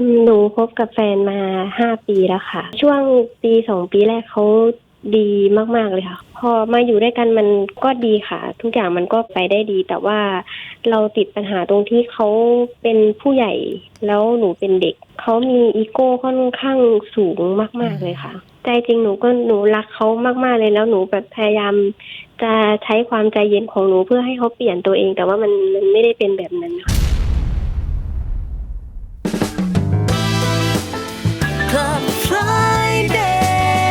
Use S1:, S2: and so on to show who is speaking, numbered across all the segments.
S1: หนูคบกับแฟนมา5 ปีแล้วค่ะช่วง1-2 ปีแรกเขาดีมากๆเลยค่ะพอมาอยู่ด้วยกันมันก็ดีค่ะทุกอย่างมันก็ไปได้ดีแต่ว่าเราติดปัญหาตรงที่เขาเป็นผู้ใหญ่แล้วหนูเป็นเด็กเขามีอีโก้ค่อนข้างสูงมากๆเลยค่ะใจจริงหนูรักเขามากๆเลยแล้วหนูแบบพยายามจะใช้ความใจเย็นของหนูเพื่อให้เขาเปลี่ยนตัวเองแต่ว่ามันไม่ได้เป็นแบบนั้นค่ะ
S2: Club Friday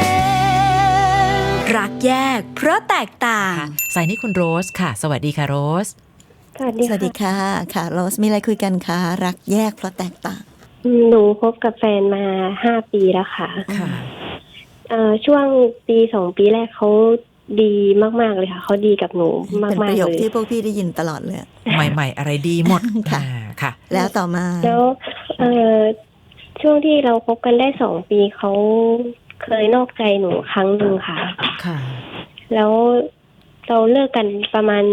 S3: รักแยกเพราะแตกต่าง
S2: สายนี้คุณโรสค่ะสวัสดีค่ะโรส
S1: สวัสดี
S4: สวัสดีค่ะค่ะโรสมีอะไรคุยกันคะรักแยกเพราะแตกต่าง
S1: หนูคบกับแฟนมา5 ปีแล้วค่ะ
S2: ค่ะ
S1: ช่วง1-2 ปีแรกเขาดีมากๆเลยค่ะเขาดีกับหนูมากๆ
S4: เป็นประโยค
S1: เลย
S4: ที่พวกพี่ได้ยินตลอดเลย
S2: ใหม่ๆอะไรดีหมด
S4: ค่ะ
S2: ค่ะ
S4: แล้วต่อมา
S1: แล้วช่วงที่เราคบกันได้2 ปีเขาเคยนอกใจหนูครั้งหนึ่งค่ะ
S2: ค่ะ
S1: แล้วเราเลิกกันประมาณ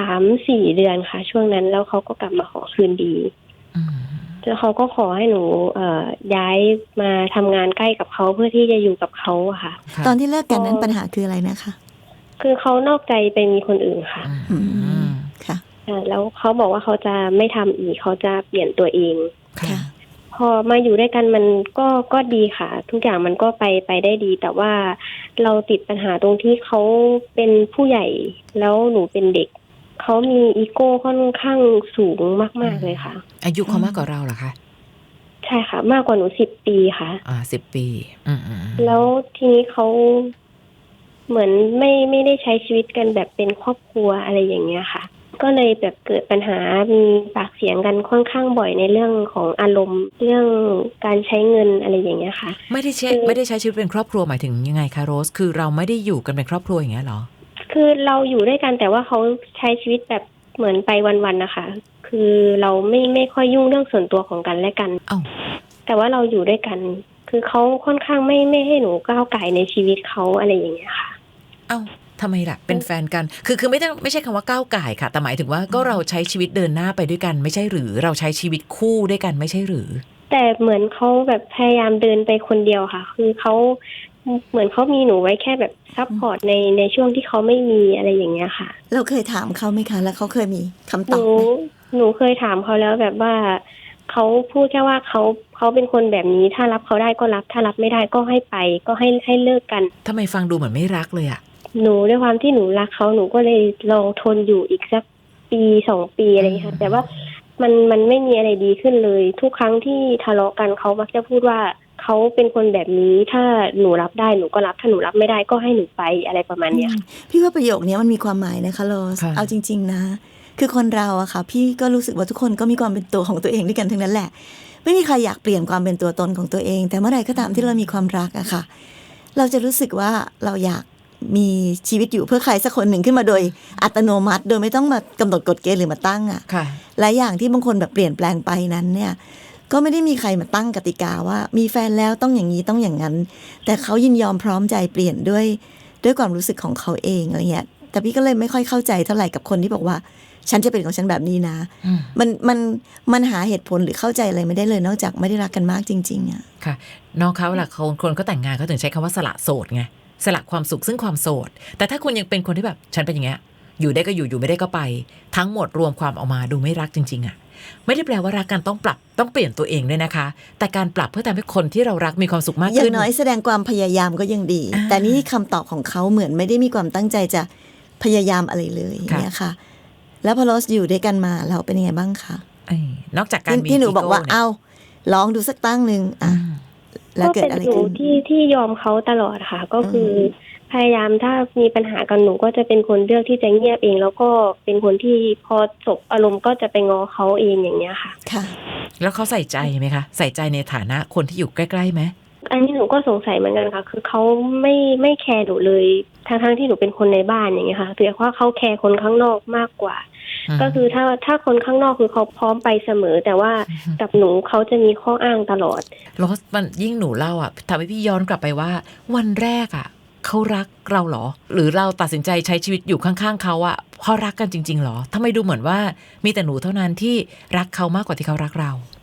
S1: 3-4 เดือนค่ะ ช่วงนั้นแล้วเขาก็กลับมาขอคืนดี
S2: อืม
S1: แล้วเขาก็ขอให้หนูย้ายมาทำงานใกล้กับเขาเพื่อที่จะอยู่กับเขาอะค่ะ
S2: ค่ะ
S4: ตอนที่เลิกกันนั้นปัญหาคืออะไรนะคะ
S1: คือเขานอกใจไปมีคนอื่นค่ะ
S2: อืม
S4: ค่ะ
S1: แล้วเขาบอกว่าเขาจะไม่ทำอีกเขาจะเปลี่ยนตัวเอง
S2: ค่ะ
S4: ค่ะ
S1: พอมาอยู่ด้วยกันมันก็ดีค่ะ ทุกอย่างมันก็ไปได้ดี แต่ว่าเราติดปัญหาตรงที่เขาเป็นผู้ใหญ่แล้วหนูเป็นเด็กเขามีอีโก้ค่อนข้างสูงมากๆเลยค่ะ
S2: อายุเขามากกว่าเราเหรอคะ
S1: ใช่ค่ะ มากกว่าหนู10 ปีค่ะ
S2: 10 ปีอืม
S1: แล้วทีนี้เขาเหมือนไม่ได้ใช้ชีวิตกันแบบเป็นครอบครัวอะไรอย่างเงี้ยค่ะ ก็เลยแบบเกิดปัญหามีปากเสียงกันค่อนข้างบ่อยในเรื่องของอารมณ์เรื่องการใช้เงินอะไรอย่างเงี้ยค่ะ
S2: ไม่ได้ใช้ชีวิตเป็นครอบครัวหมายถึงยังไงคะโรสคือเราไม่ได้อยู่กันเป็นครอบครัวอย่างเงี้ยเหรอ
S1: คือเราอยู่ด้วยกันแต่ว่าเขาใช้ชีวิตแบบเหมือนไปวันๆนะคะ คือเราไม่ค่อยยุ่งเรื่องส่วนตัวของกันและกัน
S2: เอ้า
S1: แต่ว่าเราอยู่ด้วยกัน คือเขาค่อนข้างไม่ให้หนูก้าวไก่ในชีวิตเขาอะไรอย่างเงี้ยค่ะ
S2: เอ้าทำไมล่ะเป็นแฟนกันคือไม่ใช่คำว่าก้าวก่ายค่ะแต่หมายถึงว่าก็เราใช้ชีวิตเดินหน้าไปด้วยกันไม่ใช่หรือเราใช้ชีวิตคู่ด้วยกันไม่ใช่หรือ
S1: แต่เหมือนเขาแบบพยายามเดินไปคนเดียวค่ะ คือเขาเหมือนเขามีหนูไว้แค่แบบซัพพอร์ตในช่วงที่เขาไม่มีอะไรอย่างเงี้ยค่ะ
S4: เราเคยถามเขาไหมคะ แล้วเขาเคยมีคำ
S1: ห
S4: ตอ
S1: นู
S4: บไหม
S1: หนูเคยถามเขาแล้วแบบว่าเขาพูดแค่ว่าเขาเป็นคนแบบนี้ถ้ารับเขาได้ก็รับถ้ารับไม่ได้ก็ให้ไปก็ให้เลิกกัน
S2: ทำไมฟังดูเหมือนไม่รักเลยอะ
S1: หนูด้วยความที่หนูรักเขาหนูก็เลยลองทนอยู่อีกสัก1-2 ปีอะไรอย่างเงี้ยค่ะแต่ว่ามันไม่มีอะไรดีขึ้นเลย ทุกครั้งที่ทะเลาะกันเขามักจะพูดว่าเขาเป็นคนแบบนี้ถ้าหนูรับได้หนูก็รับถ้าหนูรับไม่ได้ก็ให้หนูไปอะไรประมาณเนี้ยค่ะ
S4: พี่ว่าประโยคนี้มันมีความหมายนะคะโรส
S2: ค่ะ
S4: เอาจริง ๆนะ คือคนเราอะค่ะ พี่ก็รู้สึกว่าทุกคนก็มีความเป็นตัวของตัวเองด้วยกันทั้งนั้นแหละ ไม่มีใครอยากเปลี่ยนความเป็นตัวตนของตัวเอง แต่เมื่อไหร่ก็ตามที่เรามีความรักอะค่ะ เราจะรู้สึกว่าเราอยากมีชีวิตอยู่เพื่อใครสักคนหนึ่งขึ้นมาโดยอัตโนมัติ โดยไม่ต้องมากำหนดกฎเกณฑ์หรือมาตั้งอะ
S2: ค่ะ
S4: และอย่างที่บางคนแบบเปลี่ยนแปลงไปนั้นเนี่ยก็ไม่ได้มีใครมาตั้งกติกาว่ามีแฟนแล้วต้องอย่างนี้ต้องอย่างนั้น แต่เขายินยอมพร้อมใจเปลี่ยนด้วยความรู้สึกของเขาเองอะไรเงี้ยแต่พี่ก็เลยไม่ค่อยเข้าใจเท่าไหร่กับคนที่บอกว่าฉันจะเป็นของฉันแบบนี้นะ
S2: อืม
S4: มันหาเหตุผลหรือเข้าใจอะไรไม่ได้เลยนอกจากไม่ได้รักกันมากจริงๆอะ
S2: ค่ะน้องเขาล่ะคนเขาแต่งงานเขาถึงใช้คำว่าสละโสดไงสละความสุขซึ่งความโสดแต่ถ้าคุณยังเป็นคนที่แบบฉันเป็นอย่างเงี้ยอยู่ได้ก็อยู่ไม่ได้ก็ไป ทั้งหมดรวมความออกมาดูไม่รักจริงๆอะไม่ได้แปลว่ารักกันต้องปรับต้องเปลี่ยนตัวเองด้วยนะคะ แต่การปรับเพื่อทำให้คนที่เรารักมีความสุขมาก
S4: อย่า
S2: ขึ้
S4: ง
S2: น
S4: น้อยแสดงความพยายามก็ยังดี แต่นี่คำตอบของเขาเหมือนไม่ได้มีความตั้งใจจะพยายามอะไรเลยอย่างเนี่ยค่ะ แล้วพอโรสอยู่ด้วยกันมาเราเป็นยังไงบ้างคะ
S2: นอกจากการมี
S4: ที่หนูบอกว่า
S2: เนี่ย
S4: เอาลองดูสักตั้งหนึ่งอ่ะแล้ว
S1: ก็
S4: เกิด
S1: เป็น
S4: อะไร
S1: หนู
S4: ขึ้น
S1: ที่ยอมเขาตลอดค่ะ ก็คือพยายามถ้ามีปัญหากันหนูก็จะเป็นคนเลือกที่จะเงียบเอง แล้วก็เป็นคนที่พอจบอารมณ์ก็จะไปง้อเขาเองอย่างเงี้ยค่ะ
S4: ค่ะ
S2: แล้วเขาใส่ใจไหมคะใส่ใจในฐานะคนที่อยู่ใกล้ๆไหม
S1: อันนี้หนูก็สงสัยเหมือนกันค่ะ คือเขาไม่แคร์หนูเลยทั้งที่หนูเป็นคนในบ้านอย่างเงี้ยค่ะแต่ว่าเขาแคร์คนข้างนอกมากกว่า ก็คือถ้าคนข้างนอกคือเขาพร้อมไปเสมอ แต่ว่ากับหนูเขาจะมีข้ออ้างตลอด
S2: แล้วมันยิ่งหนูเล่าอ่ะทำให้พี่ย้อนกลับไปว่า วันแรกอ่ะเขารักเราเหรอ หรือเราตัดสินใจใช้ชีวิตอยู่ข้างๆเขาอ่ะเพราะรักกันจริงๆเหรอทำไมดูเหมือนว่ามีแต่หนูเท่านั้นที่รักเขามากกว่าที่เขารักเรา
S1: ใจ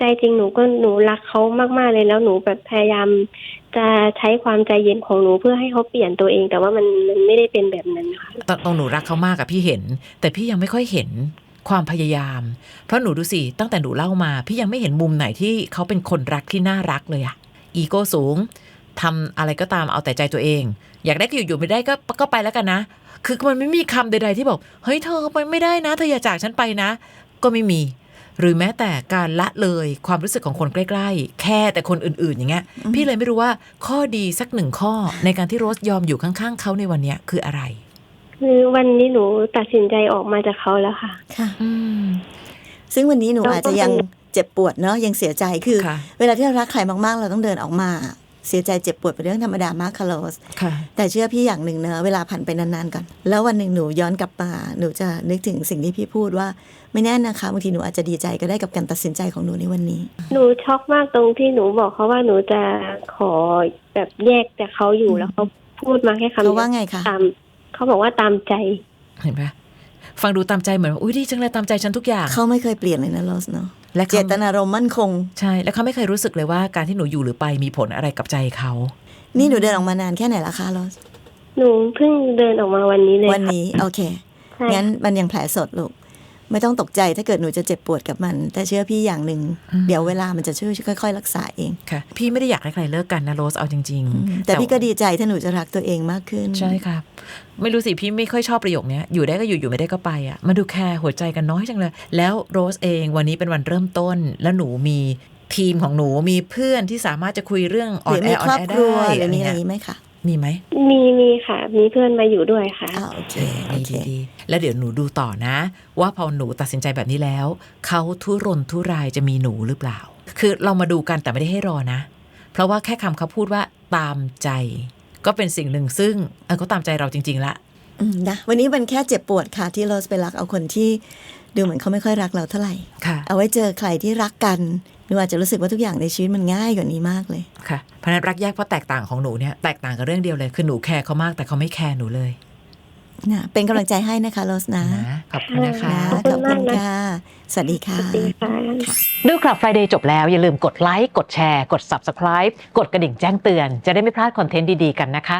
S1: ใจจริงหนูรักเขามากๆเลยแล้วหนูแบบพยายามจะใช้ความใจเย็นของหนูเพื่อให้เขาเปลี่ยนตัวเองแต่ว่ามันไม่ได้เป็นแบบนั้นค่ะ
S2: ตรงหนูรักเขามากอะพี่เห็นแต่พี่ยังไม่ค่อยเห็นความพยายามเพราะหนูดูสิตั้งแต่หนูเล่ามาพี่ยังไม่เห็นมุมไหนที่เขาเป็นคนรักที่น่ารักเลยอะอีโก้สูงทำอะไรก็ตามเอาแต่ใจตัวเองอยากได้ก็อยู่ไม่ได้ก็ไปแล้วกันนะคือมันไม่มีคำใดๆที่บอกเฮ้ยเธอไปไม่ได้นะเธออย่าจากฉันไปนะก็ไม่มีหรือแม้แต่การละเลยความรู้สึกของคนใกล้ๆแค่แต่คนอื่นๆอย่างเงี้ยพี่เลยไม่รู้ว่าข้อดีสักหนึ่งข้อในการที่โรสยอมอยู่ข้างๆเขาในวันเนี้ยคืออะไร
S1: คือวันนี้หนูตัดสินใจออกมาจากเขาแล้วค่ะ
S4: ค่ะซึ่งวันนี้หนูอาจจะยังเจ็บปวดเนาะยังเสียใจคือเวลาที่เรารักใครมากๆเราต้องเดินออกมาเสียใจเจ็บปวดเป็นเรื่องธรรมดามากค่ะโรสแต่เชื่อพี่อย่างหนึ่งเนอะเวลาผ่านไปนานๆก่อนแล้ววันหนึ่งหนูย้อนกลับมาหนูจะนึกถึงสิ่งที่พี่พูดว่าไม่แน่นะคะบางทีหนูอาจจะดีใจก็ได้กับการตัดสินใจของหนูในวันนี้
S1: หนูช็อกมากตรงที่หนูบอกเขาว่าหนูจะขอแบบแยกจากเขาอยู่แล้วเขาพูดมาแค่คำเดียว
S4: เขาว่าไงคะ
S1: เขาบอกว่าตามใจ
S2: เห็นไหมฟังดูตามใจเหมือนอุ้ยดีจังเลยตามใจฉันทุกอย่าง
S4: เขาไม่เคยเปลี่ยนเลยนะโรสเนาะและเจตนารมณ์มั่นคง
S2: ใช่แล้วเขาไม่เคยรู้สึกเลยว่าการที่หนูอยู่หรือไปมีผลอะไรกับใจเขา
S4: นี่หนูเดินออกมานานแค่ไหนละคะโรส
S1: หนูเพิ่งเดินออกมาวันนี้เลย
S4: วันนี้โอเคงั้นมันยังแผลสดลูกไม่ต้องตกใจถ้าเกิดหนูจะเจ็บปวดกับมันแต่เชื่อพี่อย่างหนึ่งเดี๋ยวเวลามันจะช่วยค่อยๆรักษาเอง
S2: ค่ะพี่ไม่ได้อยากให้ใครเลิกกันนะโรสเอาจริง
S4: ๆแต่พี่ก็ดีใจถ้าหนูจะรักตัวเองมากขึ้น
S2: ใช่ครับไม่รู้สิพี่ไม่ค่อยชอบประโยคนี้อยู่ได้ก็อยู่ไม่ได้ก็ไปอ่ะมาดูแคร์หัวใจกันน้อยจังเลยแล้วโรสเองวันนี้เป็นวันเริ่มต้นแล้วหนูมีทีมของหนูมีเพื่อนที่สามารถจะคุยเรื่อง
S4: ออนแอร์ได้หรือมีอะไรไหมคะ
S2: มีไหม
S1: มีค่ะมีเพื่อนมาอยู่ด้วยค่ะ
S4: โอเค
S2: ดีแล้วเดี๋ยวหนูดูต่อนะว่าพอหนูตัดสินใจแบบนี้แล้วเขาทุรนทุรายจะมีหนูหรือเปล่าคือเรามาดูกันแต่ไม่ได้ให้รอนะเพราะว่าแค่คำเขาพูดว่าตามใจก็เป็นสิ่งหนึ่งซึ่งเขาตามใจเราจริงๆละ
S4: นะวันนี้มันแค่เจ็บปวดค่ะที่เราไปรักเอาคนที่ดูเหมือนเขาไม่ค่อยรักเราเท่าไหร่เอาไว้เจอใครที่รักกันหนูอาจจะรู้สึกว่าทุกอย่างในชีวิตมันง่ายกว่านี้มากเลย
S2: ค่ะเพราะนั้นรักแยกเพราะแตกต่างของหนูเนี่ยแตกต่างกับเรื่องเดียวเลยคือหนูแคร์เขามากแต่เขาไม่แคร์หนูเลย
S4: นะเป็นกำลังใจให้นะคะโรสนะ
S2: ขอบคุณนะคะ
S4: ขอบคุณค่ะสวัสดีค่ะ
S2: ดู Club Friday จบแล้วอย่าลืมกดไลค์กดแชร์กด Subscribe กดกระดิ่งแจ้งเตือนจะได้ไม่พลาดคอนเทนต์ดีๆกันนะคะ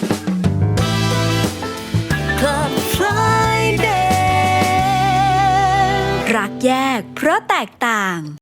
S3: Club Friday รักแยกเพราะแตกต่าง